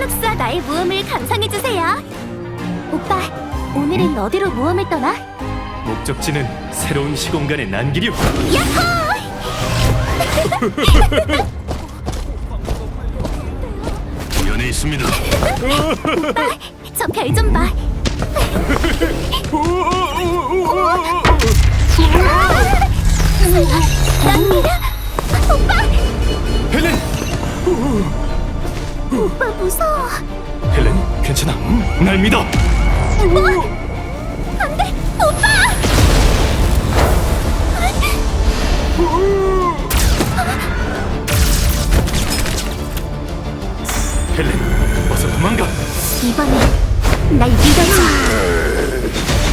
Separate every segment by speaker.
Speaker 1: 폴룩스와 나의 모험을 감상해주세요. 오빠, 오늘은 어디로 모험을 떠나?
Speaker 2: 목적지는 새로운 시공간의 난기류.
Speaker 1: 야호!
Speaker 2: 연에 있습니다.
Speaker 1: 오빠, 저 별 좀 봐. 난기류? 오빠!
Speaker 2: 헬렌!
Speaker 1: 오빠 무서워.
Speaker 2: 헬렌, 괜찮아. 날 믿어.
Speaker 1: 뭐? 안 돼! 오빠!
Speaker 2: 헬렌, 어서 도망가.
Speaker 1: 이번엔 날 믿어줘.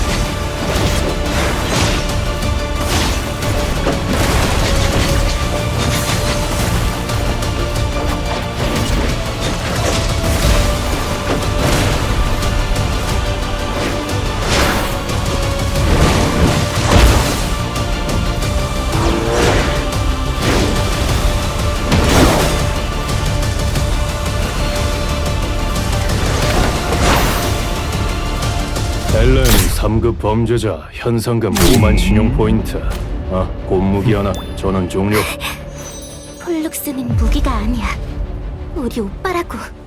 Speaker 2: 헬렌, 3급 범죄자, 현상금 5만 신용 포인트. 곰무기 하나, 전원 종료.
Speaker 1: 폴룩스는 무기가 아니야. 우리 오빠라고.